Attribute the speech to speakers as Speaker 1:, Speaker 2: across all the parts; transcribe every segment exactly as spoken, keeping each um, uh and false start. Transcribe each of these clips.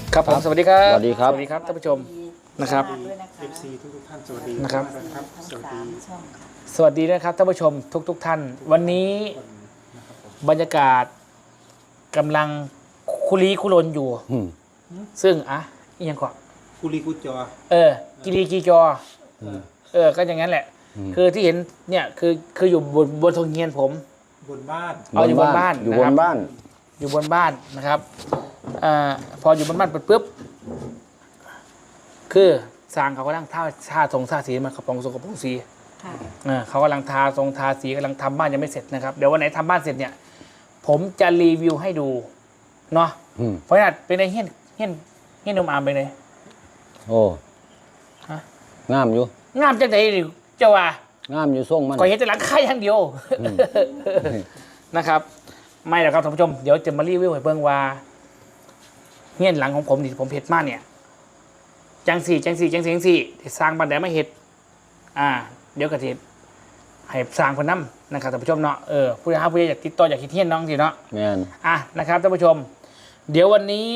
Speaker 1: ครับผมสวัสดีครับ
Speaker 2: สวัสดีครับ
Speaker 1: สวัสดีครับท่านผู้ชมนะครับ
Speaker 3: เอฟซีทุกท่านสวัสดี
Speaker 1: นะครับ
Speaker 3: นะครับสวัสดี
Speaker 1: สวัสดีนะครับท่านผู้ชมทุกทุกๆท่าน วันนี้บรรยากาศกำลังคุรีคุรนอยู่
Speaker 2: อืม
Speaker 1: ซึ่งอ่ะอีกอย่างก่อน
Speaker 3: กุลีกุจอ
Speaker 1: เออกิรีกีจอเออก็อย่างนั้นแหละ คือที่เห็นเนี่ยคือคืออยู่บนบนทงเงียนผม
Speaker 3: บนบ้าน
Speaker 1: เอาอยู่บนบ้าน
Speaker 2: อยู่
Speaker 1: นะ
Speaker 2: บ
Speaker 1: ครั
Speaker 2: น
Speaker 1: บ
Speaker 2: บ้าน
Speaker 1: อยู่บนบ้านนะครับอ่าพออยู่บนบ้านปุ๊บคือสร้างเขากำลังท่าท่าทรงท่าสีมันกระปองทรงกระปองสี
Speaker 4: ค่ะ
Speaker 1: เออเขากำลังทาทรงทาสีกำลังทำบ้านยังไม่เสร็จนะครับเดี๋ยววันไหนทำบ้านเสร็จเนี่ย ผมจะรีวิวให้ดูเนาะ
Speaker 2: อืม
Speaker 1: เพราะฉะนั้นเป็นไงเฮี้ยนเฮี้ยนเฮี้ยนนมอามเป็นไง
Speaker 2: โอ้
Speaker 1: ฮะ
Speaker 2: งามอยู่
Speaker 1: งามจังไหนเจ้าว่า
Speaker 2: งามอยู่ส่งมัน
Speaker 1: ก่อยเห็นแต่หลังคาอย่างเดียว
Speaker 2: อืม
Speaker 1: นะครับ ไม่หรอกครับท่านผู้ชมเดี๋ยวจะมารีวิวให้เบิ่งว่าเฮี้ยนหลังของผมที่ผมเห็ดมาเนี่ยจังสี่จังสี่จังสี่จังสี่ที่สร้างบ้านแดนมาเห็ดอ่า เดี๋ยวกระเทให้สร้างคนน้ำนะครับท่านผู้ชมเนาะเออผู้ใดหาผู้ใดอยากติดต่ออยากคิดเฮี้ยนน้องสิเนาะ
Speaker 2: แม่น
Speaker 1: อ่ะนะครับท่านผู้ชม เดี๋ยววันนี้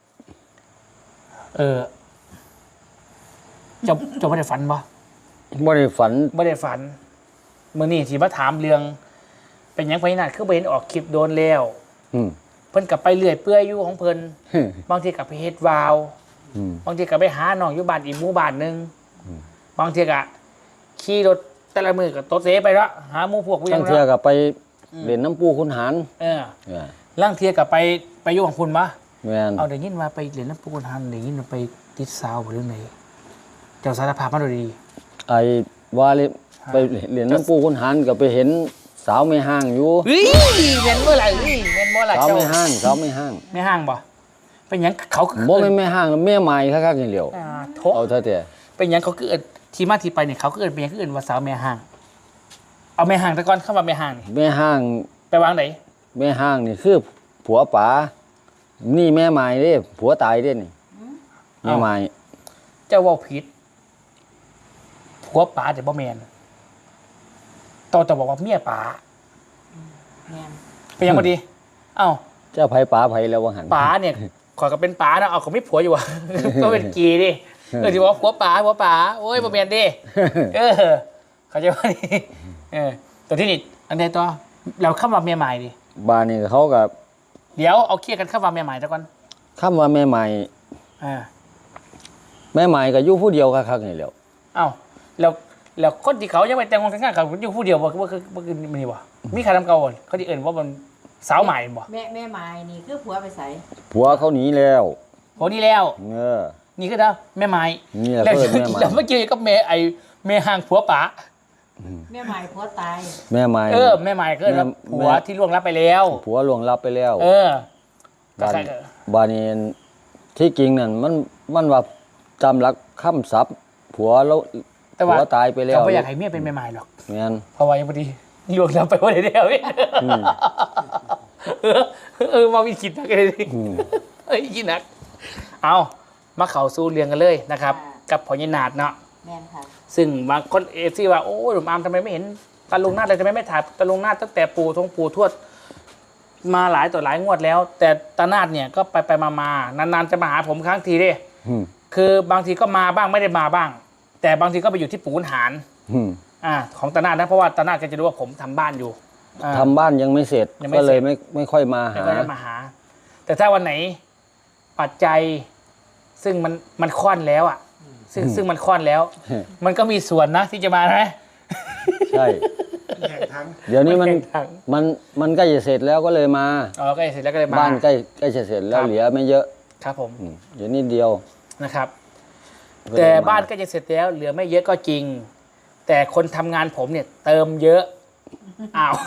Speaker 1: เออจะจะไม่ได้ฝันปะ
Speaker 2: บ่ได้ฝัน
Speaker 1: ไม่ได้ฝันเมื่อนี้ที่มาถามเรื่อง เป็นหยังพญานาคคือไปเห็นออกคลิปโดนแล้ว
Speaker 2: อืม
Speaker 1: เพิ่นกลับไปเลื่อยเปื่อยอยู่ของเพิ่นบางทีกลับไปเฮ็ดวาว
Speaker 2: อืม
Speaker 1: บางทีกลับไปหาหนองอยู่บ้านอีกหมู่บ้านหนึงบางทีก็ขี่รถแต่ละมือก็ตดเสไปแล้วหาหมู่พวกผู้หยั
Speaker 2: ทั้
Speaker 1: ง
Speaker 2: งเทื่อ
Speaker 1: เนาะ
Speaker 2: ก็ไปเล่นน้ำปูคุณหาร
Speaker 1: เออ
Speaker 2: เออ
Speaker 1: ล่างเทียกับไปไปอยู่ของคุณปะ
Speaker 2: แม่น
Speaker 1: เอาได้ยินว่าไปเรียนน้ำปูนหันได้ยินว่าไปติดสาวหรือไงเจ้าสารภาพมาดูดี
Speaker 2: ไอ้ว่าเลยไปเล่นน้ำปูคุณหารก็ไปเห็นสาวไม่ห้างอยู่
Speaker 1: เฮ้ยเมนเมื่อไหร่เฮ้ยเมนเมื่อไหร่
Speaker 2: สาว
Speaker 1: เจ้า
Speaker 2: ไม่ห้างสาวไม่ห้าง
Speaker 1: ไม่ห้างบ่เป็นหยังเขาคือ
Speaker 2: บ่แม่นไม่ห้างแล้วแม่ใหม่คักๆอย่างเดียว
Speaker 1: อ่าโถ
Speaker 2: เอาเถอะแต่
Speaker 1: เป็นหยังเขาคือเอิ้นที่มาที่ไปเนี่ยเขาคือเอิ้นเป็นหยังคือเอิ้นว่าสาวแม่ห้าง เอาแม่ห้างแต่ก่อนเข้ามาแม่ห้างนี่
Speaker 2: แม่ห้าง
Speaker 1: ไปวางไหน
Speaker 2: แม่ห้างนี่คือผัวป๋านี่แม่ใหม่เด้ผัวตายเด้นี่แม่ใหม่
Speaker 1: เจ้าเว่าผิดผัวป๋าแต่บ่แมนต่อจะบอกว่าเมียป๋า
Speaker 4: แม่น
Speaker 1: เป็นหยังพอดี เอ้า
Speaker 2: เจ้าไผป๋าไผแล้วว่าหัน
Speaker 1: ป๋าเนี่ยขอยก็เป็นป๋านะเอาก็ไม่ผัวอยู่วะ ก็เป็นกีดิเออที่บอกว่าผัวป๋าผัวป๋าโอ้ยบ่แมนดิเออเขาใจว่าดิเออแต่ที่นี่อันใดต่อเราเข้ามาเมียใหม่ดิ
Speaker 2: บ้านนี่เขากับ
Speaker 1: เดี๋ยวเอาเคลียร์กันเข้ามาเมียใหม่แล้วก่อน
Speaker 2: คำว่าแม่ใหม่
Speaker 1: อ่า
Speaker 2: แม่ใหม่ก็อยู่ผู้เดียวคักๆนี่แหล้ว
Speaker 1: เอ้าแล้วแล้วคนที่เขายังไม่แต่งงานกันเขาอยู่ผู้เดียวบ่บ่คือบ่คือมันนี่บ่มีใครทำเก่าบ่เขาที่เอิ่นว่ามันสาวใหม่บ่
Speaker 4: แม่แม่ไม้นี่คือผัวไปใส่
Speaker 2: ผัวเขาหนีแล้ว
Speaker 1: โหนี่แล้ว
Speaker 2: เออ
Speaker 1: นี่คือเด้อแม่ไม้
Speaker 2: นี่แหละ
Speaker 1: แล้ว
Speaker 2: เพิ่นแม่ไม้
Speaker 1: แล้วเมื่อกี้ก็แม่ไอ้แม่ห่างผัวป๋า
Speaker 4: แม่ไม้ผัวตาย
Speaker 2: แม่ใหม่
Speaker 1: เออแม่ใหม่ก็แล้ว
Speaker 2: แม่
Speaker 1: ผัวที่ล่วงลับไปแล้ว
Speaker 2: ผัวล่วงลับไปแล้ว
Speaker 1: เออก็
Speaker 2: บ้าน
Speaker 1: ใครก็
Speaker 2: บ้านนี้ที่จริงนั่นมันมันว่าจำหลักคำศัพท์ผัวแล้ว
Speaker 1: แต่
Speaker 2: ผั
Speaker 1: ว่าว
Speaker 2: ตายไปแล้ว
Speaker 1: เขาไม่อยากให้เมียเป็นแม่ใหม่หรอก
Speaker 2: แม่น
Speaker 1: เพราะว่ายังพอดีล่วงลับไปวันเดียวเอง
Speaker 2: อืม
Speaker 1: เออเออมาวิคิดนักเลยดิ
Speaker 2: อืม
Speaker 1: เอ้ยคิดนักเอามาเข่าสู้เรียงกันเลยนะครับ กับพญานาคเนาะ
Speaker 4: แม่นค่ะ
Speaker 1: ซึ่งบางคนเอฟซีว่าโอ้ยหนุ่มอาร์มทำไมไม่เห็นตาลุงนาดเลยทำไมไม่ถ่ายตาลุงนาดตั้งแต่ปู่ทงปู่ทวด มาหลายต่อหลายงวดแล้ว แต่ตานาดเนี่ยก็ไปไปมามานานๆจะมาหาผมครั้งทีเด้
Speaker 2: อืม
Speaker 1: คือบางทีก็มาบ้างไม่ได้มาบ้าง แต่บางทีก็ไปอยู่ที่ปู่ขุนหาร
Speaker 2: อืม
Speaker 1: อ่าของตานาดนะเพราะว่าตานาดก็จะรู้ว่าผมทำบ้านอยู่อ่า
Speaker 2: ทำบ้านยังไม่เสร็จ
Speaker 1: ยังไม่
Speaker 2: ก็เลย
Speaker 1: เสร็จ
Speaker 2: ไม่ไม่ค่อยมา
Speaker 1: แล้ว
Speaker 2: หา
Speaker 1: ก็จะมาหา แต่ถ้าวันไหนปัจจัย ซึ่งมันมันค่อนแล้วอ่ะ ซึ่งซึ่งมันค่อนแล้ว มันก็มีส่วนนะที่จะมานะ
Speaker 2: ใช่
Speaker 3: แข่งทั้ง
Speaker 2: เดี๋ยวนี้มัน
Speaker 1: มันแข่งขัน
Speaker 2: มันมันใกล้จะเสร็จแล้วก็เลยมา
Speaker 1: อ๋อก็เสร็จแล้วก็เลยมา
Speaker 2: บ้านใกล้ใกล้จะเสร็จแล้
Speaker 1: คว รับ
Speaker 2: เหลือไม่เยอะ
Speaker 1: ครับผม
Speaker 2: อืมเดี๋ยวนิดเดียว
Speaker 1: นะครับ
Speaker 2: ก็เลย
Speaker 1: แต่
Speaker 2: ม
Speaker 1: บ้านก็จะเสร็จแล้ว เหลือไม่เยอะก็จริง แต่คนทำงานผมเนี่ย เติมเยอะอ้าว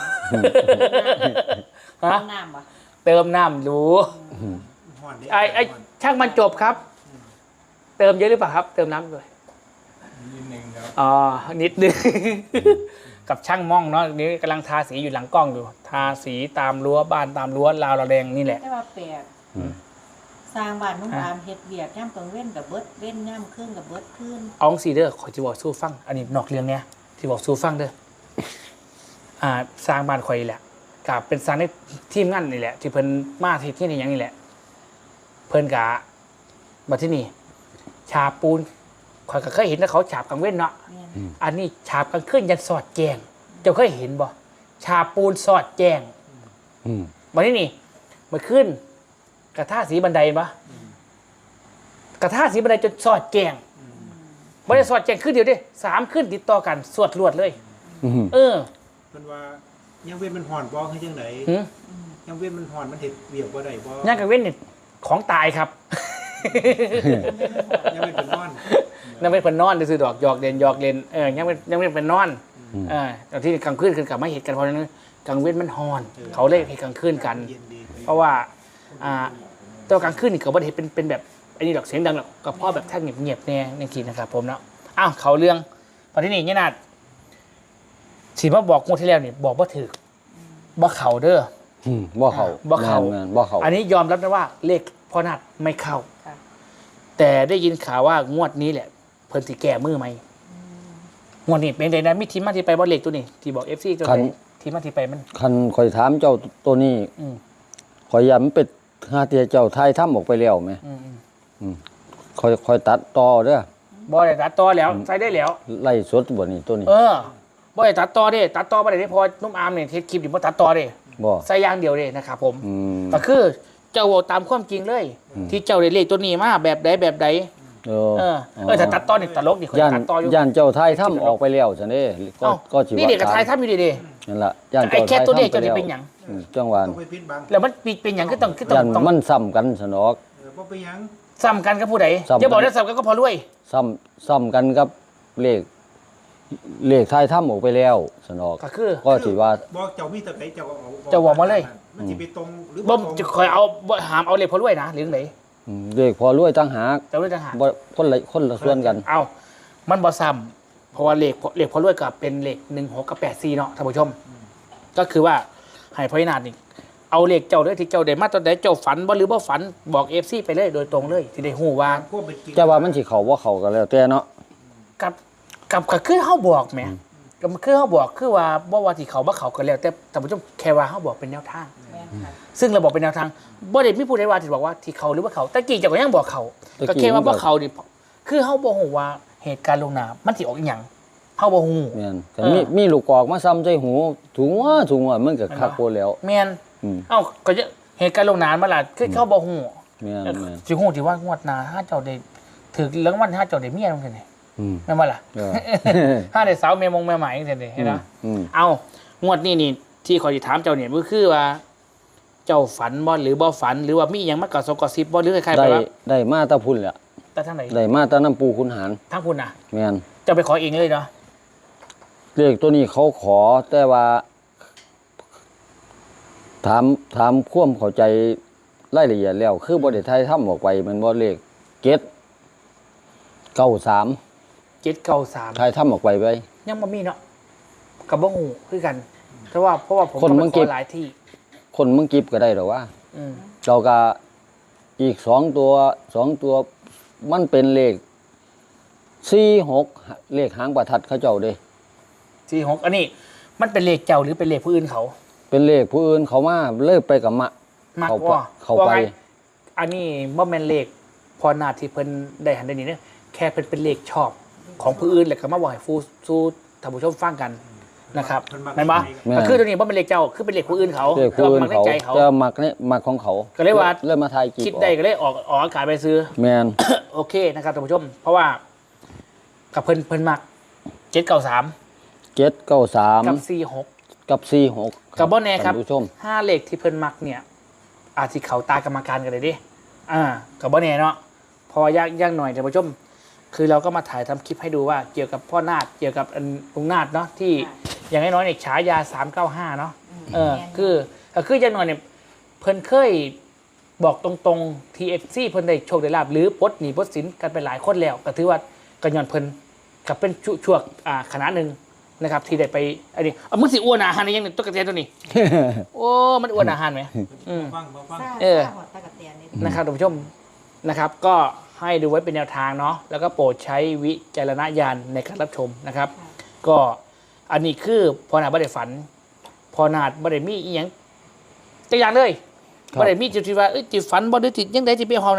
Speaker 1: ฮะ
Speaker 4: น้ำปะ
Speaker 1: เติมน้ำรู้
Speaker 3: ห่อนดิ
Speaker 1: ไอ้ไอ้ช่างมันจบครับ เติมเยอะหรือเปล่าครับ เติมน้ำด้วย
Speaker 3: นิดนึงครับ
Speaker 1: อ๋อนิดนึง กับช่างม่องเนาะนี่กำลังทาสีอยู่หลังกล้องอยู่ ทาสีตามรั้วบ้านตามรั้วราวระแดงนี่แหละ
Speaker 4: แต่ว่าแปลก
Speaker 2: อืม
Speaker 4: สร้างบ้านนุ่งอามเฮ็ดเวียกย่ำกลางเว้นกับเบิดเว้นย่ำครึ่งกับเบิดคืน
Speaker 1: อองซีเดอร์ขอที่บอกสู้ฟัง อันนี้นอกเรื่องเนี้ยที่บอกสู้ฟังเด้ออ่าสร้างบ้านคอยแหละกับเป็นสร้างในทีมงานนี่แหละ ที่เพิ่นมาที่ที่นี่อย่างนี้แหละ เพิ่นกะมาที่นี่ฉาบปูนข่อยก็เคยเห็นนะเขาฉาบกลางเว้นเนาะ
Speaker 4: แม่น
Speaker 1: อันนี้ฉาบกลางคืนยันสอดแจงเจ้าเคยเห็นบ่ฉาบปูนสอดแจง
Speaker 2: อืม
Speaker 1: มาที่นี่มาขึ้นกระทาสีบันไดปะกระทาสีบันไดจนสอดแจงไม่ได้สอดแจงขึ้นเดียวดิสามขึ้นติดต่อกันสวดรวดเลย
Speaker 2: อืม
Speaker 1: เออ
Speaker 3: เพิ่นว่ายังเว้นมันห่อนบ่ให้จังได
Speaker 1: หืม
Speaker 3: ยังเว้นมันห่อนมันเฮ็ดเวียกบ่ได้บ่
Speaker 1: ย่างกลางเว้นเนี่ยของตายครับ
Speaker 3: ยังเว้นเป็นนอน
Speaker 1: นั่นไม่เป็นนอนซื้อดอกหยอกเล่นหยอกเล่นเออยังไม่ยังไม่เป็นนอนเออแต่ที่กลางคืนคือกลับมาเหตุกันเพราะนั้นกลางเว้นมันฮอน เขาเล่นเหตุกลางคืนกัน
Speaker 3: เย็นดี
Speaker 1: เพราะว่าอ่าตัวกลางคืนนี่เขาไม่ได้เห็นเป็นเป็นแบบอันนี้ดอกเสียงดังหรอกก็เพราะแบบถ้าเงียบเงียบๆแน่ในขีดนะครับผมเนาะอ้าวเขาเรื่องตอนที่นี่เนี่ยนาดสีมาบอกงวดที่แล้วนี่บอกว่าถือบ่เขาเด้อ
Speaker 2: อืมบ่เขา
Speaker 1: บ่เข้า
Speaker 2: แม่นๆบ่เขา
Speaker 1: อันนี้ยอมรับนะว่าเลขพ่อนัดไม่เข้า
Speaker 4: ค่ะ
Speaker 1: แต่ได้ยินข่าวว่างวดนี้แหละ เพิ่นสิแก้มือไหมงวดนี้เป็นไงนะมีทีมาที่ไปบ่เลขตัวนี้ที่บอก เอฟ ซี ตัวไหนทีมาที่ไปมัน
Speaker 2: คันข่อยถามเจ้าตัวนี้
Speaker 1: อืม
Speaker 2: ข่อยย้ำเป็ดหาเตียเจ้าไทยทำออกไปแล้วไหม
Speaker 1: อืมอืม
Speaker 2: ข่อยข่อยตัดต่อเด้อ
Speaker 1: บ่ได้ตัดต่อแล้วใส่ได้แล้ว
Speaker 2: ไล่สดบ่นี่ตัวนี้
Speaker 1: เออบ่ได้ตัดต่อเด้ตัดต่อบ่ได้เด้เพอนุ่มอามเนี่ยเทสคลิปนี่บ่ตัดต่อเด้
Speaker 2: บ่
Speaker 1: ใส่อย่างเดียวเด้นะครับผม
Speaker 2: อืม
Speaker 1: ก็คือเจ้าเว้าตามความจริงเลย
Speaker 2: อืม
Speaker 1: ที่เจ้าได้เลขตัวนี้มาแบบใดแบบใด
Speaker 2: เออ
Speaker 1: เออเออถ้าตัดต่อนี่ตลกดิคน
Speaker 2: ย่าน
Speaker 1: ตัดต่ออยู่
Speaker 2: ย่านเจ้าไทยทำออกไปแล้วซั่นเด้ก็
Speaker 1: เอ้า
Speaker 2: ก็สิ
Speaker 1: นี่เด็กกับไทย
Speaker 2: ตาม
Speaker 1: ทำอยู่ดีเด้
Speaker 2: นั่นล่ะย่าน
Speaker 1: ไอ้
Speaker 2: เจ้าไท
Speaker 1: แค่
Speaker 2: ย
Speaker 1: ตัวเลข
Speaker 2: ทำไป
Speaker 1: เจ้านี่
Speaker 2: แล้ว
Speaker 1: เป็นหยัง
Speaker 2: อืมจังหวะ
Speaker 3: ต้องไปปิดบัง
Speaker 1: แล้วมันเป็นหยังก็ต้องคือต้อง
Speaker 2: ย่าน
Speaker 1: ต้อง
Speaker 2: มันซ้ำกันสนอก
Speaker 3: เออบ่ไปหยัง
Speaker 1: ซ้ำกันกับผู้ใด
Speaker 2: ซ้ำกัน
Speaker 1: อย่าบอกได้ซ้ำกันก็พอรวย
Speaker 2: ซ้ำซ้ำกันกับเลขเลขไทยทำออกไปแล้วสนอก
Speaker 1: ก็คือ
Speaker 2: ก็สิว่า
Speaker 3: บอกเจ้ามีแต่ไหนเจ้าก็เอา
Speaker 1: เจ้าบอกมาเลย
Speaker 3: มันสิไปตรงหรือ
Speaker 1: บ่
Speaker 3: ตรง
Speaker 1: จะคอยเอาบ่หามเอาเลขพอรวยนะหรือไหน
Speaker 2: อืมเลขพอรวยตั้งหาก
Speaker 1: แต่รวยต่างหาก
Speaker 2: บ่คนละคนละส่วนกัน
Speaker 1: เอามันบ่ซ้ำเพราะว่าเลขเลขพอรวยกับเป็นเลขหนึ่งหกกับแปดสี่เนาะท่านผู้ชม ก็คือว่าให้พอนาดนี่เอาเลขเจ้าเด้อที่เจ้าได้มาตอนใดเจ้าฝันบ่หรือบ่ฝันบอก เอฟ ซี ไปเลยโดยตรงเลยที่ได้ฮู้ว่า
Speaker 3: พวกเป็นจริง
Speaker 2: จะว่ามันสิเข้าบ่เข้ากันแล้วแต่เนาะ
Speaker 1: กับกับก็คือเฮาบอกแหมก็คือเฮาบอกคือว่าบ่ว่าที่เขาบ่เขาก็แล้วแต่ท่านผู้ชมแค่ว่าเฮาบอกเป็นแนวทาง
Speaker 4: แม่นค่ะ
Speaker 1: ซึ่งเราบอกเป็นแนวทางบ่ได้มีผู้ใดว่าที่บอกว่าที่เขาหรือว่าเขาตะกี้เจ้าก็ยังบอกเขาก็แค่ว่าบ่เขานี่คือเฮาบ่ฮู้ว่าเหตุการณ์ลงน้ำมันสิออกอีหยังเฮาบ่ฮู้
Speaker 2: แม่นแต่
Speaker 1: เออ
Speaker 2: มีมีลูกกอกมาซ้ำใจหูถุงว่าถุงว่ามันก็คักโพดแล้ว
Speaker 1: แม่น
Speaker 2: อืม
Speaker 1: เอ้าก็จะเหตุการณ์ลงน้ำมาล่ะคือเขาบ่ฮู้
Speaker 2: แม่นแม่น
Speaker 1: สิฮู้ที่ว่างวดหน้าถ้าเจ้าได้ถึกรางวัลถ้าเจ้าได้เมียจังซี่นี่
Speaker 2: อืม
Speaker 1: แม่นบ่ล่ะ
Speaker 2: เออ
Speaker 1: ถ้าได้สาวเมียมงเมียใหม่จังซี่นี่เห็นบ่
Speaker 2: อืม
Speaker 1: เอางวดนี้นี่ที่ขอยสิถามเจ้าเนี่ยก็คือว่า เจ้าฝันบ่หรือบ่ฝันหรือว่ามีอหยังมากระสบกระซิบบ่หรือคล้ายๆ
Speaker 2: ได้
Speaker 1: แบบว่า
Speaker 2: ได้มาแตะพุ่นแหละ
Speaker 1: แต่ทางไหน
Speaker 2: ได้มาแตะน้ำปูขุนหาร
Speaker 1: ทางคุณน่ะ
Speaker 2: แม่น
Speaker 1: เจ้าไปขอเองเลยเนาะ
Speaker 2: เลขตัวนี้เขาขอแต่ว่า ถามถามความเข้าใจรายละเอียดแล้ว คือบ่ได้ไทยทำออกไปมันบ่เลขเจ็ดเก้าสาม
Speaker 1: เจ็ดเก้าสาม
Speaker 2: ไทยทำออกไปไป
Speaker 1: ยังบ่มีเนาะกับบ่ฮู้คือกันเพราะว่าเพราะว่าผม
Speaker 2: คน
Speaker 1: ก็
Speaker 2: เมื
Speaker 1: ไป
Speaker 2: อง
Speaker 1: ข
Speaker 2: กิ
Speaker 1: อ
Speaker 2: ฟ
Speaker 1: หลายที่
Speaker 2: คนเมืองกิฟก็ได้หรอว่า
Speaker 1: อืม
Speaker 2: เราก็อีกสองตัวสองตัวมันเป็นเลขสี่หกเลขหางประทัดเขาเจ้าเด้
Speaker 1: สี่หกอันนี้ มันเป็นเลขเจ้าหรือเป็นเลขผู้อื่นเขา
Speaker 2: เป็นเลขผู้อื่นเขามาเลิกไปกับมะ
Speaker 1: มาก
Speaker 2: เขา
Speaker 1: กว่า
Speaker 2: เขาไป
Speaker 1: ว่งอันนี้บ่แม่นเลขพอนาที่เพิ่นได้หันได้นี่เนี่ยแค่เป็นเป็นเลขชอบของผู้อื่นแหละก็มาบอกให้ฟูสู้ท่านผู้ชมฟังกันนะครับแม่นบ่
Speaker 2: แม่น
Speaker 1: ก็คือตัวนี้บ่เป็นเลขเจ้าคือเป็นเลขผู้อื่นเขา
Speaker 2: เลขผู้อื่น
Speaker 1: แต่ว่มักใน
Speaker 2: เขา
Speaker 1: ใจเขา
Speaker 2: จะมักเนี่ยมักของเขา
Speaker 1: ก็เลยว่า
Speaker 2: เริ่มมาทายกีบ
Speaker 1: คิดได้ก็เลยออกออกอากาศไปซื้อ
Speaker 2: แมน
Speaker 1: โอเคนะครับท่านผู้ชม เพราะว่ากับเพิ่นเพิ่นมักเจ็ดเก้าสาม
Speaker 2: เจ็ดเก้าสาม
Speaker 1: กับสี่หก
Speaker 2: กับสี่หก
Speaker 1: กับบ่แน่ครับ
Speaker 2: ท่านผู้ชม
Speaker 1: ห้าเลขที่เพิ่นมักเนี่ย อาจสิเขาตากรรมการกันเลยดิอ่ากับบ่แน่เนาะพอยากยากหน่อยท่านผู้ชม คือเราก็มาถ่ายทำคลิปให้ดูว่าเกี่ยวกับพ่อนาฏเกี่ยวกับอันลุงนาฏเนาะที่อย่างน้อยๆเนี่ยฉายาสามเก้าห้าเนาะเออคือก็คืออย่างน้อยเนี่ยเพิ่นเคยบอกตรงๆ ที เอฟ ซี เพิ่นได้โชคได้ลาบหรือปลดหนีปลดสินกันไปหลายคนแล้วก็ถือว่ากันย้อนเพิ่นกับเป็นช่วช่วงอ่าคณะหนึ่งนะครับที่ได้ไปอันนี้เอามึงสิอ้วนอาหารนี่ยังเนี่ยตุ๊กตาตัวนี้ โอ้มันอ้วนอาหารไหมอืม
Speaker 3: ฟังฟัง
Speaker 4: ซ่า
Speaker 1: เออ
Speaker 4: ซ่าหอดตะกะเตียนนี่
Speaker 1: นะครับท่านผู้ชมนะครับ ก็ให้ดูไว้เป็นแนวทางเนาะแล้วก็โปรดใช้วิจารณญาณในการรับชมนะครับ ก็อันนี้คือพอนาดบ่ได้ฝัน พอนาดบ่ได้มีอีหยังตัวอย่างเลย
Speaker 2: ครับ
Speaker 1: บ่ได้มีจุดที่ว่าเอ้ยจิตฝันบ่ได้จิตยังไดจิตไปเฮานะ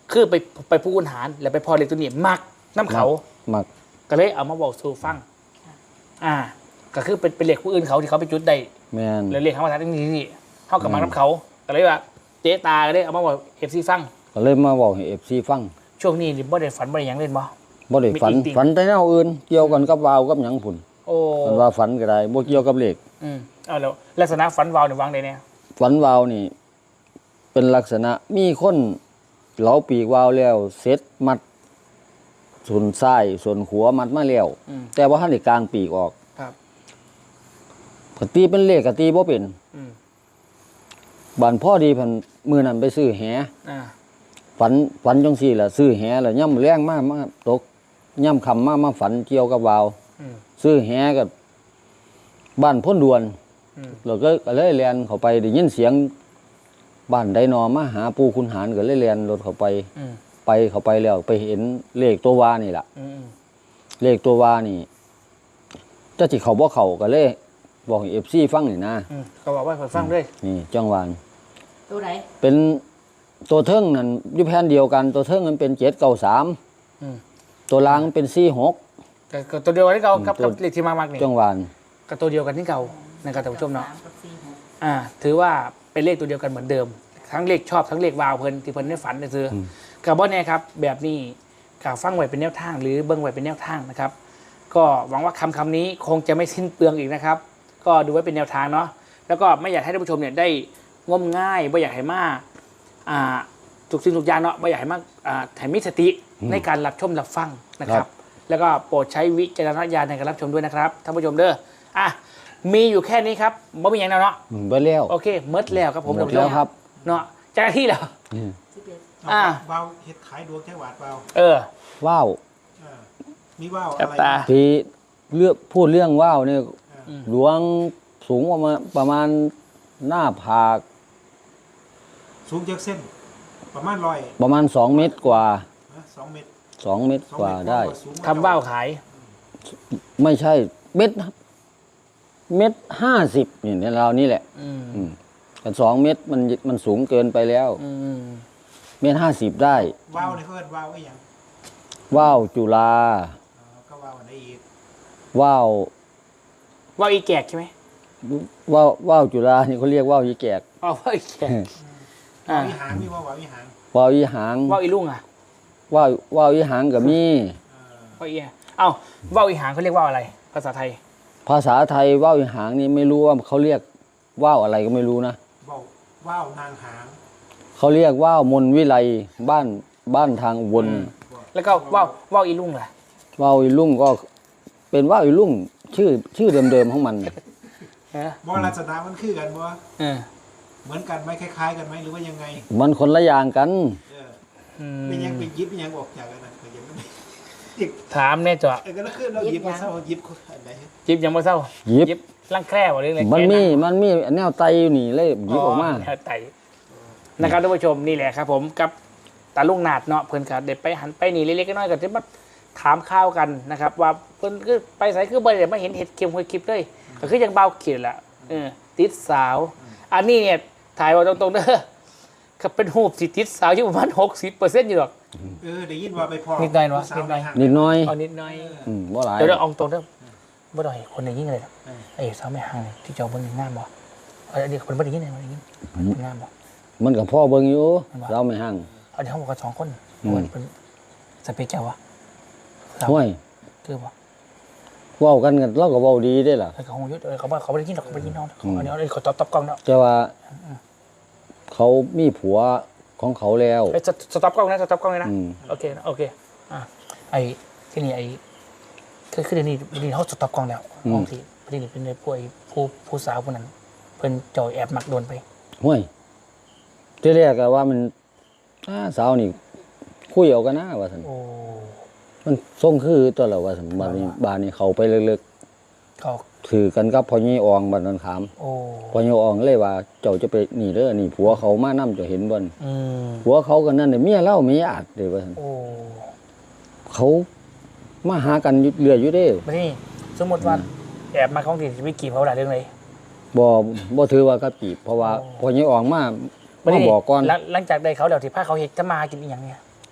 Speaker 1: คือไปไปผู้คุณหารแล้วไปพอเลขตัวนี้มักน้ำเขา
Speaker 2: มัก
Speaker 1: ก็เลยเอามาบอกสู่ฟัง อ่า ก็คือเป็นเป็นเลขผู้อื่นเขาที่เขาไปจุดได้
Speaker 2: แม่น
Speaker 1: แล้วเลขเขามาทัดนี่นี่เท่ากับมักน้ำเขาก็เลยว่าเจ๊ตาก็เลยเอามาบอกเอฟซีฟัง
Speaker 2: ก็เลยมาบอกให้ เอฟ ซี ฟัง
Speaker 1: ช่วงนี้นี่บ่ได้ฝันบ่ได้หยังเล่นบ่
Speaker 2: บ่ได้ฝัน
Speaker 1: มีอีกติ่ง
Speaker 2: ฝันแต่แนวอื่นเกี่ยวกันกับวาวกับหยังพุ่น
Speaker 1: โอ้
Speaker 2: มันว่าฝันก็ได้บ่เกี่ยวกับเลข
Speaker 1: อืมเอาแล้วลักษณะฝันวาวเนี่ยวางได้เนี่ย
Speaker 2: ฝันวาวนี่ เป็นลักษณะมีคนเหลาปีกวาวแล้วเสร็จมัดส่วนซ้ายส่วนหัวมัดมาแล้ว
Speaker 1: อืม
Speaker 2: แต่ว่าท่านได้กลางปีกออก
Speaker 1: ครับ
Speaker 2: ก็ตีเป็นเลขก็ตีบ่เป็น
Speaker 1: อืม
Speaker 2: บานพ่อดีเพันมือนั้นไปซื้อแห
Speaker 1: อ่า
Speaker 2: ฝันฝันจังซี่ล่ะซื้อแหแล้วย่ำแรงมากมาตกย่ำคำมามาฝันเกี่ยวกับวาว
Speaker 1: อืม
Speaker 2: ซื้อแหกับบ้านพ้นดวน
Speaker 1: อืม
Speaker 2: เราก็ก็เลยเรียนเข้าไปได้ยินเสียงบ้านไดนอมาหาปู่คุณหารก็เลยเรียนรถเข้าไป
Speaker 1: อืม
Speaker 2: ไปเข้าไปแล้วไปเห็นเลขตัววานี่ล่ะ
Speaker 1: อืม
Speaker 2: เลขตัววานี่เจ้าจิเขาบ่เขาก็เลยบอกเอฟซีฟังนี่นะ
Speaker 1: อืมก็บอกว่าเปิดฟังด้วย
Speaker 2: นี่จังหวาน
Speaker 4: ตัวไหน
Speaker 2: เป็นตัวเทิงนั่นอยู่แผ่นเดียวกันตัวเทิงมันเป็นเจ็ดเก้าสาม
Speaker 1: อืม
Speaker 2: ตัวล่างมันเป็นสี่หก
Speaker 1: แต่ก็ตัวเดียวกันที่เก่ากับ
Speaker 2: ตัว
Speaker 1: กับเลขที่มากๆนี่
Speaker 2: จังหวาน
Speaker 1: ก็ตัวเดียวกันที่เก่านะครับท่านผู้ชมเนาะ
Speaker 4: สกับสี่หก
Speaker 1: อ่า ถือว่าเป็นเลขตัวเดียวกันเหมือนเดิม ทั้งเลขชอบทั้งเลขวาวเพิ่นที่เพิ่นได้ฝันได้ซื้ออกับบ่แน่ครับ แบบนี้กับฟังไว้เป็นแนวทาง หรือเบิ่งไว้เป็นแนวทางนะครับ ก็หวังว่าคำคำนี้คงจะไม่สิ้นเปลืองอีกนะครับ ก็ดูไว้เป็นแนวทางเนาะแล้วก็ไม่อยากให้ท่านผู้ชมเนี่ยได้งมง่ายไม่อยากให้มากอ่าทุกสิ่งทุกอย่างเนาะไม่อยากให้มากอ่าให้มีสติในการรับชมรับฟังนะครับ แล้วก็โปรดใช้วิจารณญาณในการรับชมด้วยนะครับท่านผู้ชมเด้ออ่ะมีอยู่แค่นี้ครับไม่มีอย่างแล้วเนาะ
Speaker 2: อืมไปแล้ว
Speaker 1: โอเคเมิดแล้วครับผม
Speaker 2: หมดแล้วครับ
Speaker 1: เนาะเจ้าหน้าที่แล้ว
Speaker 2: อืม
Speaker 4: สิบเอ็ด
Speaker 1: อ่า
Speaker 3: วาวเฮ็ดขายดวงแค่หวาดวาว
Speaker 1: เออ
Speaker 2: ว้าว
Speaker 3: อ่ามีว่าว
Speaker 1: จั
Speaker 3: อะ
Speaker 1: บ
Speaker 3: ไร
Speaker 1: ตา
Speaker 2: ที่เลือกพูดเรื่องว่าวเนี่ย
Speaker 3: อ่า
Speaker 2: หลวงสูงประมาณประมาณหน้าผาก
Speaker 3: สูงจากเส้น ประมาณร้อย
Speaker 2: ประมาณสองเมตรกว่า
Speaker 3: นะสองเมตร
Speaker 2: สองเมตร
Speaker 3: สอง
Speaker 2: กว่า
Speaker 3: เมตร
Speaker 2: ได้
Speaker 3: สูง
Speaker 1: ทำว่าวขาย
Speaker 2: ไม่ใช่เม็ดเม็ดห้าสิบนี่ในเรานี่แหละ
Speaker 1: อืม
Speaker 2: อืมกันสองเม็ดมันมันสูงเกินไปแล้ว
Speaker 1: อืม
Speaker 2: เม็ดห้าสิบได้
Speaker 3: ว่าวนี่เขาเรียกว่าวไอ้หยัง
Speaker 2: ว่าวจุฬา
Speaker 3: อ๋อก็ว่าวอันไหนอีก
Speaker 2: ว่าว
Speaker 1: ว่าวอีแกกใช่ไหม
Speaker 2: ว่าวว่าวจุฬานี่เขาเรียกว่าวยีแกก
Speaker 1: อ๋อว่าวอีแกก
Speaker 3: ว่า
Speaker 1: อ่าว
Speaker 3: อีหางมีว่าวว่าวอีหาง
Speaker 2: ว่าวยีหาง
Speaker 1: ว่าวอีลุงอ่ะ
Speaker 2: ว่าวว่าวยีหางกับมี
Speaker 3: อ่า
Speaker 1: ว่าวอีเอ้าว่าวอีหางเขาเรียกว่าวอะไร ภาษาไทย
Speaker 2: ภาษาไทยว่าวยีหางนี่ไม่รู้ว่าเขาเรียกว่าวอะไรก็ไม่รู้นะ
Speaker 3: ว่าวว่าวนางหาง
Speaker 2: เขาเรียกว่าวมนวิไลบ้านบ้านทางอุบล
Speaker 1: อืม แล้วก็ว่าวว่าวอีลุงล่ะ
Speaker 2: ว่าวอีลุ่งก็เป็นว่าวอีลุ่งชื่อชื่อเดิมๆของมัน
Speaker 1: เออ
Speaker 3: บ่ลักษณะมันคือกันบ่
Speaker 1: เออ
Speaker 3: เหมือนกันไหมคล้ายๆกันไหมหรือว่ายังไง
Speaker 2: มันคนละอย่างกัน
Speaker 3: เออ
Speaker 1: อื
Speaker 3: เป็นยัง
Speaker 1: ม
Speaker 3: เป็นยิบเป็นยังออกจากกันนะก็ยังไม่ได้อีก
Speaker 1: ถามแน่จ้ะ
Speaker 3: เออก็แล้วคือเรายิบมาเศร้ายิบอันไหน
Speaker 1: ยิบยังไม่เศร้า
Speaker 2: ยิบ
Speaker 1: ยิบร่างแคร่บ่เรื่องอะไร
Speaker 2: มันมี
Speaker 1: แค่
Speaker 2: มันมีแนวไตอยู่นี่เลยหยิบออกมา
Speaker 1: แนวไตนะครับท่านผู้ชมนี่แหละครับ ผมกับตาลุงนาดเนาะเพื่อนครับเด็ดไปหันไปนี่เล็กๆน้อยๆก็จะมาถามข้าวกันนะครับ ว่าเพื่อนคือไปใส่คือบ่ได้มาเห็นเห็ดเข็มหวยคลิปเลยก็คือยังเบาขีดแหละเออติดสาว อันนี้เนี่ยถ่ายว่าตรงๆเด้อก็เป็นหูบสิติดสาวอยู่ประมาณหกสิบเปอร์เซ็นต์อยู่หรอก
Speaker 3: เออได้ยินว่าไปพอ
Speaker 1: นิดหน่อยเนอะ
Speaker 3: ผู้สาว
Speaker 1: นิดหน่อย
Speaker 3: ให้าง
Speaker 2: นิดหน้อย
Speaker 1: เอานิดหน่อย
Speaker 2: อืมบ่หลาย
Speaker 1: เดี๋ยวเราเอาตรงเด้อบ่ได้คนในยิ่งเลย
Speaker 3: เออ
Speaker 1: ไอ้สาวไม่ห่างนี่ที่เจ้าเบิ่งงามบ่เอาเดี๋ยวคนบ่ได้ยินเลยบ่ได้ยินงามบ่
Speaker 2: มันกับพ่อเบิ่งอยู่
Speaker 1: มันว่า
Speaker 2: เราไม่ห่าง
Speaker 1: เอาเดี๋ยวเขาบอกกันสองคน
Speaker 2: อืม
Speaker 1: เหมือนเป็นสเปคเจ้าวะสาว
Speaker 2: ห้วย
Speaker 1: คือบ่
Speaker 2: เว้ากันกันเราก็เว้าดีได้ล่ะ
Speaker 1: ไอ้เขาคงยุดเออเขาบอกเขาไม่ได้ยินหรอกเขาไม่ได้ยินน้องเขาเอาเดี๋ยวเขาตอบตอบกล้องเนาะ
Speaker 2: แต่ว่าเขามีผัวของเขาแล้ว
Speaker 1: ไอ้ยสต็อปกล้องนะสต็อปกล้องเลยนะ
Speaker 2: อืม
Speaker 1: โอเคนะโอเคอ่ะไอ้ที่นี่ไอ้คือคือเดี๋ยวนี้เดี๋ยวนี้เขาสต็อปกล้องแล้วห้องที่พอดีนี่เป็นผู้ไอ้ผู้ผู้สาวคนนั้นเพิ่นเจ่อแอบมักโดนไป
Speaker 2: ห้วยที่แรกก็ว่ามันอ้าสาวนี่คุยเอากันนะว่าซั่น
Speaker 1: โอ้
Speaker 2: มันส่งคือตัวเราว่าซั่นบาดนี้บาดนี้เขาไปลึก
Speaker 1: เขา
Speaker 2: ๆถือกันกับพ่อยี่อองบัดนั้นขาม
Speaker 1: โอ้
Speaker 2: พ่อยี่อองเลยว่าเจ้าจะไปนี่เด้อนี่ผัวเขามานํเจ้าเห็นบ่น
Speaker 1: อืม
Speaker 2: ผัวเขาก็นั่นน่ะเมียเล่าเมียอาดเด้อว่าซั่น
Speaker 1: โอ้
Speaker 2: เขามาหากันอยู่เรื่อยอยู่เด้
Speaker 1: มาที่นี่สมมติว่าแอบมาของที่จะไปกีบเขาหลายเรื่องเลย
Speaker 2: บ่บ่ถือว่ากับจีบเพราะว่า
Speaker 1: โอ้
Speaker 2: พ่อยี่อองมา
Speaker 1: มา
Speaker 2: มา
Speaker 1: ที่นี่
Speaker 2: บอกก่อน
Speaker 1: หลังหลังจากได้เขาแล้วที่พาเขาเห็ดจะมากินอีหยังเนี่ย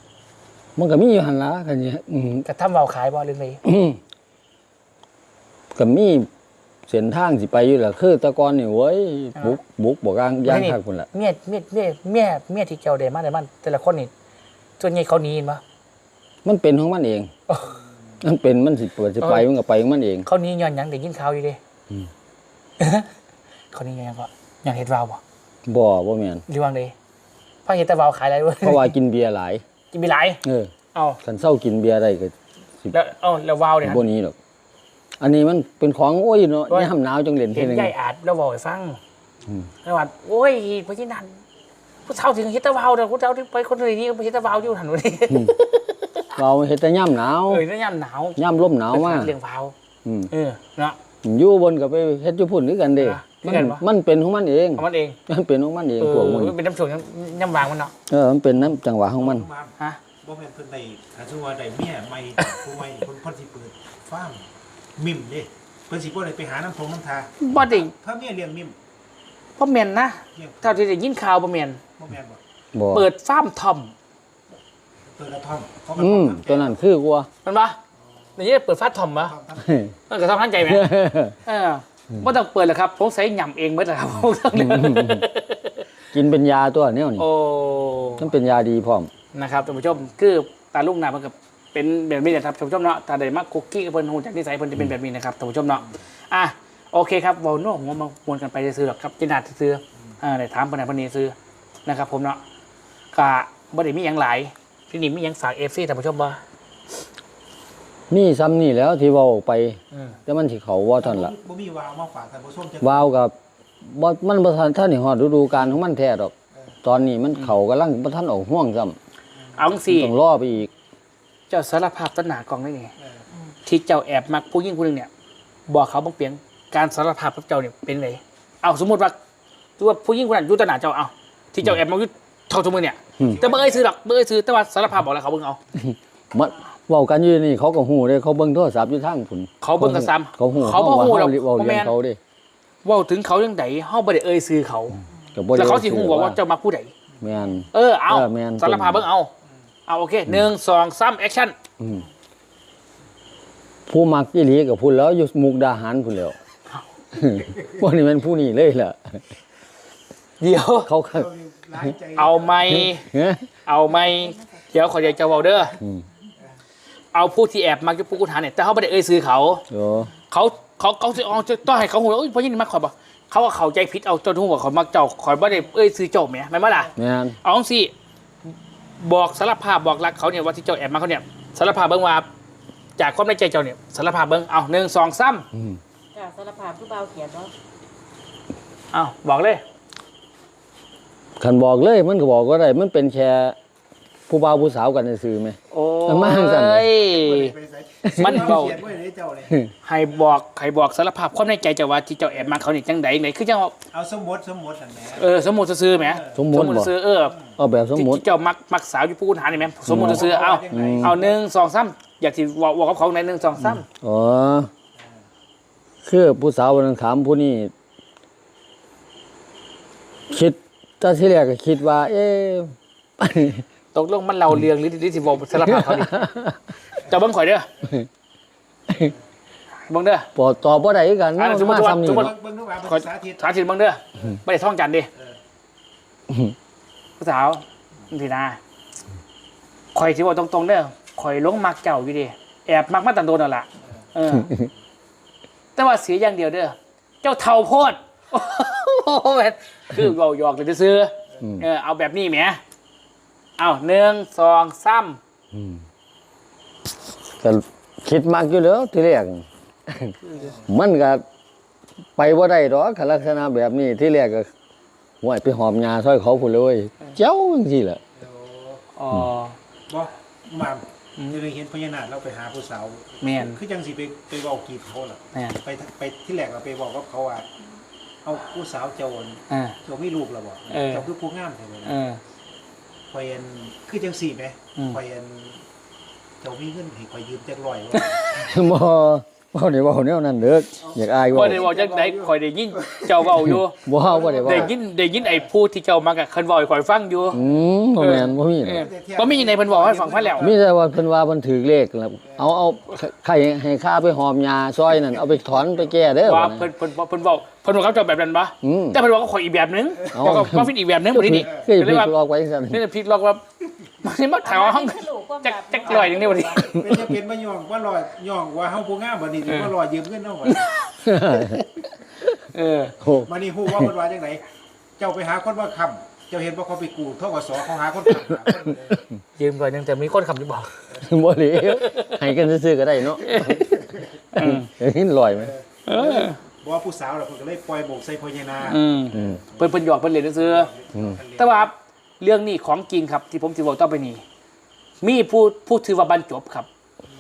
Speaker 2: มันก็มีอยู่หั่นล่ะกันนี่อืม
Speaker 1: กระทำเบาขายบ่เรื่องนี้
Speaker 2: อืมก็มีเส้นทางสิไปอยู่แหละคือแตะกอนนี่เว้ยบุกบุกบอกย่างย่างคักพุ่นล่ะ
Speaker 1: เมียเมียเมียเมียเมียที่เจ้าได้มาได้มันแต่ละคนนี่ส่วนใหญ่เขาหนีเห็นบ่
Speaker 2: มันเป็นของมันเอง มันเป็นมันสิเปิดสิไปมันก็ไปของมันเอง
Speaker 1: เขาหนีย้อนหยังได้ยินข่าวอยู่เด้
Speaker 2: อืม
Speaker 1: เขาหนีย้อนหยังก็ย้อนเฮ็ดวาวบ่
Speaker 2: บ่บ่แม่น
Speaker 1: หรือว่าไดพาเฮ็ดแต่วาวขายอะไรเว้ย
Speaker 2: เพราะว่ากินเบียร์หลาย
Speaker 1: กินไปหลาย
Speaker 2: เออ
Speaker 1: เอ้า
Speaker 2: คันเศร้ากินเบียร์ได้ก็สิ
Speaker 1: แล้วเอ้าแล้ววาวเนี่ย
Speaker 2: บ่หนี้หรอกอันนี้มันเป็นของโอ้ยเนาะยามหนาวจังเล่น
Speaker 1: เห็
Speaker 2: เท่
Speaker 1: น
Speaker 2: นึง
Speaker 1: ยายอาจแล้วเว้าให้ฟัง
Speaker 2: อืม
Speaker 1: แล้วว่าโอ้ยเพราะฉะนั้นผู้เฒ่าถึงเฮ็ดแต่วาวเด้อผู้เฒ่าที่ไปคนอื่นนี่ไปเฮ็ดแต่วาวอยู่หั่นว่านี่
Speaker 2: เราเฮ็ดแต่ยามหนาว
Speaker 1: เอ้ยแล้วยามหนาวย
Speaker 2: ามลมหนาวมา
Speaker 1: เรื่องวาว
Speaker 2: อืม
Speaker 1: เออเนาะ
Speaker 2: อยู่บนก็ไปเฮ็ดอยู่พุ่นคือกันเด้
Speaker 1: อ่ะ
Speaker 2: มัน
Speaker 1: คือกันปะ
Speaker 2: มันเป็นของมันเอง
Speaker 1: ของมันเอง
Speaker 2: มันเป็นของมันเอง
Speaker 1: เออ
Speaker 2: พวกมัน
Speaker 1: มันเป็นน้ำช่วงย่ำวางมันเนาะ
Speaker 2: เออมันเป็นน้ำจังหวะของมัน
Speaker 3: มา
Speaker 1: ฮะ
Speaker 3: บ่แม่นเพิ่นได้ถ้าสมมุติว่าได้เมียใหม่ผู้ใหม่เพิ่นเพิ่นสิเปิดฟาร์มมิมเด้เพิ่นสิบ่ได้ไปหาน้ำทงน้ำทา
Speaker 1: บ่ได้
Speaker 3: ถ้าเมียเลี้ยงมิม
Speaker 1: บ่แม่นนะ
Speaker 3: เลี้ยง
Speaker 1: เท่าที่ได้ยินข่าวบ่แม่น
Speaker 3: บ่แม่นบ่
Speaker 2: บ่
Speaker 1: เปิดฟาร์มทอม
Speaker 3: เปิดกระท่อมเขากระ
Speaker 2: อื
Speaker 3: ท่อ
Speaker 2: ม
Speaker 3: ม
Speaker 2: ตัวนั้นคือกว่า
Speaker 1: มันปะในนี้เปิดฟาร์มทอมปะ
Speaker 3: ทำทำ
Speaker 1: มันก็ต้องทันใจไหมเออไม่ต้องเปิดหรอกครับผมใส่หย่ำเองเมื่อไหร่ครับ ผมต้อง
Speaker 2: กินเป็นยาตัวแนวนี้
Speaker 1: โอ้
Speaker 2: มันเป็นยาดีพร้อม
Speaker 1: นะครับท่านผู้ชมคือตาลุงนามันก็เป็นแบบนี้นะครับท่านผู้ชมเนาะตาใดมักคุกกี้กับเพิ่นหูจากนิสัยเพิ่นจะเป็นแบบนี้นะครับท่านผู้ชมเนาะอ่ะโอเคครับวอลโน่ผมมามวนกันไปซื้อหรอกครับจินาดซื้ออ่าได้ถามปนไหนปนนี้ซื้อนะครับผมเนาะกะบ่ได้มีหยังหลายที่นี่มีหยังฝากเอฟซีท่านผู้ชมบ่
Speaker 2: นี่ซ้ำนี่แล้วที่เว้าออกไป
Speaker 1: อืม
Speaker 2: แต่มันสิเขาว่าท่านละ
Speaker 3: บ่มีวาวมาฝากท่านผู้ชมจัง
Speaker 2: วาวกับบ่มันบ่ทันท่านนี่ฮอดฤดูกาลของมันแท้ดอก ตอนนี้มันเขากำลังบ่ทันออกห่วงซ้ำ
Speaker 1: เอาจังซี่
Speaker 2: ต้องรอไปอีก
Speaker 1: เจ้าสารภาพต้นหนากองได้นี่
Speaker 3: เออ
Speaker 1: ที่เจ้าแอบมักผู้หญิงคนหนึ่งเนี่ยบอกเขาบังเปียงการสารภาพกับเจ้าเนี่ยเป็นไงเอาสมมติว่าตัวผู้หญิงคนนั้นอยุตนาเจ้าเอาที่เจ้าแอบมาอยุทอทุกมือเนี่ย
Speaker 2: อืม
Speaker 1: แต่เบอร์ไอ้ซื้อหรอกเบอร์ไอ้ซื้อแต่ว่าสารภาพบอกแล้วเขาเบิ่งเอา
Speaker 2: มันเว้ากันอยู่นี่เขาก็ฮู้เด้เขาเบิ่งโทรศัพท์อยู่ทางพุ่น
Speaker 1: เขาเบิ่งกันซ้ำ
Speaker 2: เขาฮู้
Speaker 1: เขาบ่ฮู้หรอก
Speaker 2: เว้า
Speaker 1: บ่
Speaker 2: เรื่
Speaker 1: แม่
Speaker 2: อง
Speaker 1: น
Speaker 2: เขาเด้
Speaker 1: เว่าถึงเขาเรื่องใดเฮาบ่ได้เอ่ยซื้อเขา
Speaker 2: ก็บ่ได้
Speaker 1: แล้วเขาสิฮู้ว่าว่าเจ้ามาผู้ใด
Speaker 2: แม่น
Speaker 1: เออเอา
Speaker 2: เออแม่น
Speaker 1: สารภาพเบิ่งเอาเอาโอเคหนึ่งสองสามแอคชั่น
Speaker 2: อืมผู้มักอีหลีกับพุ่นแล้วอยู่มุกดาหารพุ่นแล้ว พวกนี้มันผู้นี้เลยล่ะ
Speaker 1: เดี๋ยว
Speaker 2: เขาก็
Speaker 3: หลายใจ
Speaker 1: เอาไหม
Speaker 2: เฮ้ย
Speaker 1: เอาไหมเดี๋ยวขอเดี๋ยวจะเว้าเด้อ
Speaker 2: อืม
Speaker 1: เอาผู้ที่แอบมักอยู่ผู้กุฐานเนี่ยแต่เขาบ่ได้เอ่ยซื้อเขา
Speaker 2: โอ้
Speaker 1: เขาเขาเขาสิเอาต้องให้เขาหูแล้วเพราะยิ่งมาขอยบอกเขาว่าเขาใจพิษเอาเจ้าทุ่งกับเขามักเจ้าขอยบ่ได้เอ้ยซื้อเจ้าแหมแม่นบ่ล่ะ
Speaker 2: แม่น
Speaker 1: เอาจังสิบอกสารภาพบอกรักเขาเนี่ยว่าที่เจ้าแอบมาเขาเนี่ยสารภาพเบิ่งว่าจากความในใจเจ้าเนี่ยสารภาพเบิ่งเอาหนึ่งสองสาม
Speaker 2: อืม
Speaker 4: จ้าสารภาพผู้เบาเขียนเนาะ
Speaker 1: เอาบอกเลย
Speaker 2: คันบอกเลยมันก็บอกว่าได้มันเป็นแค่ผู้บ่าวผู้สาวกันซื่อๆไหม
Speaker 1: โอ้
Speaker 2: มันมาจังซั่น
Speaker 1: ย
Speaker 3: ไปใส่
Speaker 1: มันเบา
Speaker 3: เขียนไว้ในเจ้าเลย
Speaker 1: ให้บอกให้บอกสารภาพความในใจเจ้าว่าที่เจ้าแอบมาเขาเนี่ยจังใดไหนคือจังว่า
Speaker 3: เอาสมมติสมมตินั่นแหละ
Speaker 1: เออสมมุติซื่อๆแหม
Speaker 2: สมมุติบ่
Speaker 1: ซื่อๆเออ
Speaker 2: เอาแบบสมมุติ
Speaker 1: ที่เจ้ามักมักสาวอยู่ผู้กุฐานนี่แหมสมมุติซื่อๆเอาเอาหนึ่งสองสามอยากที่บอกบอกกับเขาในหนึ่งสองสาม
Speaker 2: อ๋อคือผู้สาววันนั้นถามผู้นี้คิดตอนที่แรกก็คิดว่า เอ๊ะ
Speaker 1: ตกลงมันเราเรียงหรือหรือสิบอกสารภาพเขาดิเจ้าเบิ้งข่อยเด้อเบิ้งเด้อ
Speaker 2: ปอตอบบ่ได้คือกัน
Speaker 1: อ่าสมมุติ
Speaker 2: มา
Speaker 1: ว่า
Speaker 2: ซ้ำนี่
Speaker 1: สมมุติ
Speaker 2: เนาะ
Speaker 3: เบิ่งดูว่า
Speaker 1: ขอ
Speaker 3: ภาษาทิศ
Speaker 1: สาธิตเบิ้งเด้อไม่ได้ท่องจันทร์ดิผู้สาวทีนาข่อยที่ว่าตรงๆเด้อข่อยหลงมักเจ้าอยู่ดิแอบมักมาตั้งโดนนั่นล่ะเออ แต่ว่าเสียอย่างเดียวเด้อเจ้าเท่าโพดโอ้โหแม่นคือเราหยอกเลยซื้ออ
Speaker 2: ม
Speaker 1: เออเอาแบบนี้แหมเอาหนึ่งสองสาม
Speaker 2: อืมก็คิดมากอยู่แล้วทีแรก มันก็ไปบ่ได้ดอกคันลักษณะแบบนี้ที่แรกก็ห่วยไปหอมยาซอยเขาพุ่นเลยเจ้าจังซี่แหละ
Speaker 1: อ๋อ
Speaker 3: บ่มาจะได้เห็นพญานาคเราไปหาผู้สาว
Speaker 1: แม่น
Speaker 3: คือจังสิไปไปเว้ากีบเขาล่ะ
Speaker 1: แม่น
Speaker 3: ไปไปที่แรกเราไปบอกกับเขาว่าเอาผู้สาวเจ้า
Speaker 1: อ่า
Speaker 3: เจ้ามีลูกแล้วบ่
Speaker 1: เออ
Speaker 3: เจ้าคือผู้งามแท้เลย
Speaker 1: เออ
Speaker 3: ข่อยอันคือจังสี่ไหม
Speaker 1: อืม
Speaker 3: ข่อยอันเจ้ามีเงินให้ข่อยยืมจักร้อย
Speaker 2: บ่บ่ได้เว้าแนวนั้นเด้ออยากอาย
Speaker 1: บ่
Speaker 2: เว้า
Speaker 1: ได้บอกจังไดข่อยได้ยินเจ้าเว้าอยู่
Speaker 2: บ่เฮาบ่ได้เว้า
Speaker 1: ได้ยินได้ยินไอ้ผู้ที่เจ้ามักอะเพิ่นเว้าให้ข่อยฟังอยู่
Speaker 2: อืมบ่แม่นบ่มี
Speaker 1: เออบ่มีในเพิ่นบอกให้ฟังพะแล้ว
Speaker 2: มีแต่ว่าเพิ่นว่าเพิ่นถือเลขแล้วเอาเอาใครให้ค่าไปหอมยาซอยนั่นเอาไปถอนไปแก้เด้อ
Speaker 1: ว่าเพิ่นเพิ่นเพิ่นบอกเพิ่นบอกกับเจ้าแบบนั้นปะ
Speaker 2: อืม
Speaker 1: แต่เพิ่นบอกกับข่อยอีกแบบนึง
Speaker 2: เอา
Speaker 1: บอกกับว่าฟินอีกแบบนึงบ่ได้นี่
Speaker 2: คือ
Speaker 1: ก็เล
Speaker 2: พี่
Speaker 1: ยว่า
Speaker 2: ลอกไว้ซั่น
Speaker 1: นี่ผิดหรอกว่ามันนี่มาถามว่าห้องจักจักลอยนึงนี่บ่ดี
Speaker 3: เป็นจะเป็นมาย่องว่าลอยย่องว่าเฮาผู้งามบัดนี้ว่าลอยยืมเงินเฮาบัด
Speaker 1: เออ
Speaker 2: โอ้
Speaker 3: มานี่ฮู้ว่าเพิ่นว่าจังไดเจ้าไปหาคนว่าค้ำเจ้าเห็นว่าเขาไปกู้ทกสเขาหาคนค้ำหาคนเลย
Speaker 1: ยืมก่อนนึงแต่มีคนคำที่บอก
Speaker 2: บ่เหลวให้กันซื่อๆก็ได้เนาะเห็นลอยไหม
Speaker 1: เออ
Speaker 3: บ่ว่าผู้สาวน่ะเพิ่นก็เลยปล่อยโบกใส่พ่อใหญ่นา
Speaker 1: อืม
Speaker 2: อืม
Speaker 1: เพิ่นเพิ่นหยอกเพิ่นเล่นซื่อ
Speaker 2: อืม
Speaker 1: ๆแต่ว่าเรื่องนี้ของจริงครับ ที่ผมสิบอกต่อไปนี้มีผู้ผู้ถือว่าบรรจบครับ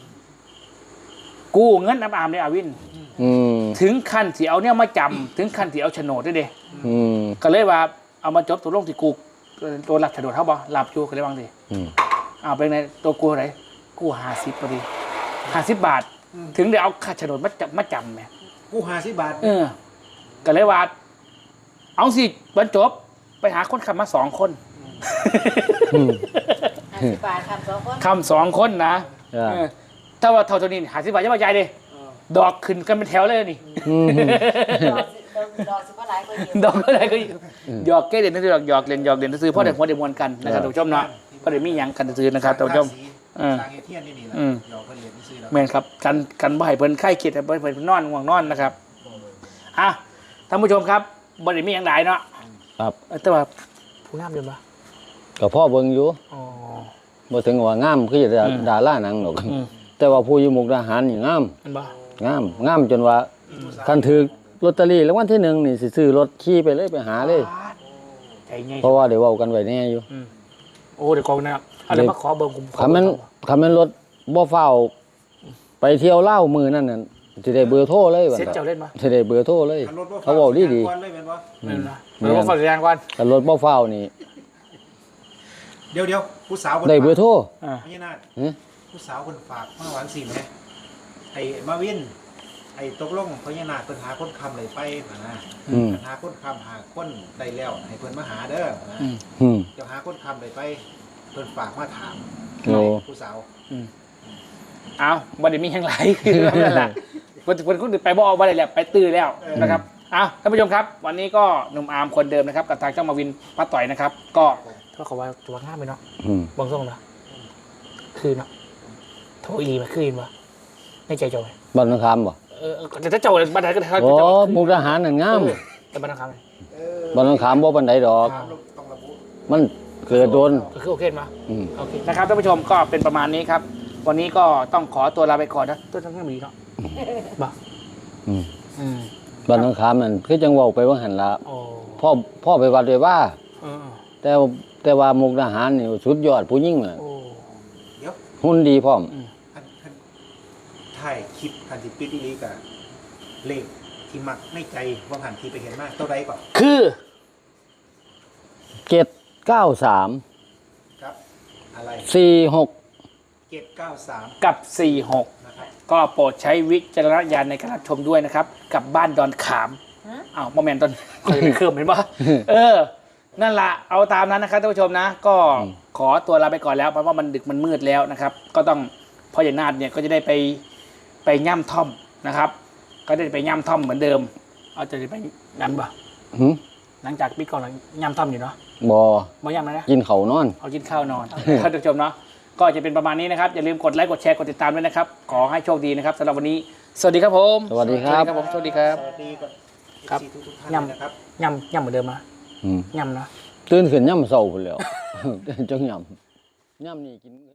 Speaker 1: กู้เงินน้ำอามได้อาวิน
Speaker 2: อืม
Speaker 1: ถึงขั้นที่เอาเนี่ยมาจำถึงขั้นที่เอาโฉนดด้วยเด้
Speaker 2: อืม
Speaker 1: ก็เลยว่าเอามาจบตัวลงที่กูตัวรับโฉนดเท่าบ่รับอยู่ก็เลยบางที
Speaker 2: อืม
Speaker 1: เอาไปในตัวกูเท่าไหร่กูห้าสิบพอดีห้าสิบบาท ถึงได้เอาค่าโฉนดมาจับมาจำแหม
Speaker 3: กู้ห้าสิบบาท
Speaker 1: เออก็เลยว่า เอาสิบรรจบไปหาคนขับมาสองคน
Speaker 2: อืม
Speaker 4: ห้าสิบบาททำสองคน
Speaker 1: คำสองคนนะ
Speaker 2: อ่า
Speaker 1: เออถ้าว่าเท่าตัวนี้หาสิบบาทจะมาใหญ่เลยดอกขึ้นกันเป็นแถวเลยนี่
Speaker 2: อืม
Speaker 4: ดอกสิดอกดอกสิบ่หลายกว่าเดียว
Speaker 1: ดอกอะไรก็หยอกแก้เด่นนั่นคือหยอกเล่นหยอกเล่นนั่นคือพ่อเด็กหัวเด็กมวลกันนะครับท่านผู้ชมเนาะพ่อเด็กมีหยังกันซื้อนะครับท่านผู้ชม
Speaker 3: ทางเอเทียนนี่นี่แหละ
Speaker 1: อืม
Speaker 3: หยอกเพิ่นเรียนซื้อแล้ว
Speaker 1: แม่นครับกันกันบ่ให้เพิ่นไข้คิดให้เพิ่นเพิ่นนอนง่วงนอนนะครับอ่ะท่านผู้ชมครับบ่ได้มีหยังหลายเนาะ
Speaker 2: ครับ
Speaker 1: เออแต่ว่าผู้งามเดิมปะ
Speaker 2: ก็พ่อเบิ่งอยู่
Speaker 1: อ๋อ
Speaker 2: บ่ถึงว่างามคือดา
Speaker 1: อืม
Speaker 2: ดาราหนังหรอก
Speaker 1: อืม
Speaker 2: แต่ว่าผู้อยู่มุกดาหารนี่งาม
Speaker 1: มันบ่
Speaker 2: งามงามจนว่าคันถือลอตเตอรี่รางวัลที่หนึ่งนี่สิซื้อรถขี่ไปเลยไปหาเลย
Speaker 1: ใจใหญ่
Speaker 2: เพราะว่าเดี๋ยวเว้ากันไว้แน่อยู่
Speaker 1: อืมโอ้เดี๋ยวกองนะครับอะไรมาขอเบอร์ผมขอ
Speaker 2: คันแม่นคันแม่นรถบ่ฟ้าวไปเที่ยวเล่าวมือนั่นน่ะสิได้เบอร์โทรเลยบัด
Speaker 1: เซ็ตเจ้าเล่นปะ
Speaker 2: สิได้เบอร์โทรเลย
Speaker 3: คันรถบ่
Speaker 2: เขาเว้าดีดี
Speaker 3: ก่อนเลยแม่นบ่
Speaker 1: ไม่รู้นะเดี๋ยวผมฝากสัญญาณก่อน
Speaker 2: คันรถบ่ฟ้าวนี่
Speaker 3: เดี๋ยวเดี๋ยวผู้สาวพิ่น
Speaker 2: ได้เบอร์โทร
Speaker 1: อ่า
Speaker 3: พญานาค
Speaker 2: หึ
Speaker 3: ผู้สาวคนฝากมาหวังสิแหมไอ้มาวิน ไอ้ตกลงพญานาคเพิ่นหาคนคำเลยไปนะ
Speaker 2: อืม
Speaker 3: หาคนคำหาคนได้แล้วให้เพิ่นมาหาเด้อนะ
Speaker 1: อืม
Speaker 2: อืม
Speaker 3: เจะหาคนคำเลยไปเพิ่นฝากมาถาม
Speaker 2: โอ้
Speaker 3: ผู้สาว
Speaker 1: เอาบ่ได้มีหยังหลายคือนั่นแหละเพิ่นเพิ่นคนอื่นไปบ่เอาบ่ได้แล้วไปตื้อแล้วนะครับเอาท่านผู้ชมครับ วันนี้ก็หนุ่มอาร์มคนเดิมนะครับกับทางเจ้ามาวินป้าต่อยนะครับ ก็ก็เขาว่าตัวงามไปเนาะ
Speaker 2: อืม
Speaker 1: บางส่งนะคือเนาะโทรอีมาคืนวะในใจจอย
Speaker 2: บ้านนาคามบ่
Speaker 1: เออแต่ถ้าเจ้าบันไดก็ถ้า
Speaker 2: โอ้
Speaker 1: เจ้า
Speaker 2: มุกดาหารนั่นงาม
Speaker 1: แต่บันไดคำเลย
Speaker 3: เออ
Speaker 2: บ้านนาคามบ่ปานใดดอก
Speaker 3: ต้องระบุ
Speaker 2: มันเกิดโดน
Speaker 1: ก็คือโอเคมา
Speaker 2: อืม
Speaker 1: โอเคนะครับท่านผู้ชมก็เป็นประมาณนี้ครับ วันนี้ก็ต้องขอตัวลาไปก่อนนะตัวทั้งนี้เนาะบ้า
Speaker 2: อืม
Speaker 1: อืม
Speaker 2: บ้านนาคามนั่นคือจังเว้าไปว่าหั่นละ
Speaker 1: โอ้
Speaker 2: พ่อพ่อไปวัดด้วยว่า
Speaker 1: เออ
Speaker 2: แต่ว่าแต่ว่ามุกดาหารนี่สุดยอดผู้หญิงน่ะ
Speaker 1: โอ้
Speaker 3: เดี๋ยว
Speaker 2: หุ่นดีพร้อม
Speaker 3: คันคันถ่ายคลิปคันสิปิดอีหลีกะเลขที่มักในใจว่าหันที่ไปเห็นมาเท่าใดก่อน
Speaker 1: คือ
Speaker 2: เจ็ดเก้าสาม
Speaker 3: ครับ อะไร
Speaker 2: สี่หก
Speaker 3: เจ็ดเก้าสาม
Speaker 1: กับสี่หก
Speaker 3: นะครับ
Speaker 1: ก็โปรดใช้วิจารณญาณในการรับชมด้วยนะครับ กับบ้านดอนขาม
Speaker 4: ฮะ
Speaker 1: อ้าวโมเมนต์ตอนเคยเคลื่อนเห็นปะเออ นั่นละเอาตามนั้นนะครับท่านผู้ชมนะ ก็ขอตัวลาไปก่อนแล้วเพราะว่ามันดึกมันมืดแล้วนะครับ ก็ต้องพ่อใหญ่นาฏเนี่ยก็จะได้ไปไปย่ำท่อมนะครับ ก็ได้ไปย่ำท่อมเหมือนเดิม เอาจะได้ไปนั่นปะ
Speaker 2: หึ
Speaker 1: หลังจากปีก่อนเราย่ำท่อมอยู่เนาะ
Speaker 2: บ่
Speaker 1: มาย่ำแล้วนะ
Speaker 2: กินเขาวนอน
Speaker 1: เอากินข้าวนอน ท่านผู้ชมเนาะก็จะเป็นประมาณนี้นะครับอย่าลืมกดไลค์กดแชร์กดติดตามด้วยนะครับ ขอให้โชคดีนะครับสำหรับวันนี้ สวัสดีครับผม
Speaker 2: สวัสดีครับ
Speaker 1: ผมสวัสดีครับ
Speaker 3: สวัสดีกับ
Speaker 1: ครับ
Speaker 3: ทุกทุกๆท่าน
Speaker 1: ย่ำ
Speaker 3: นะครับ
Speaker 1: ย่ำย่ำเหมือนเดิมนะ
Speaker 2: อืม
Speaker 1: ย่ำนะ
Speaker 2: ตื่นขึ้นย่ำเช้าพุ่นแหล้ว จังย่ำย่ำนี่กิน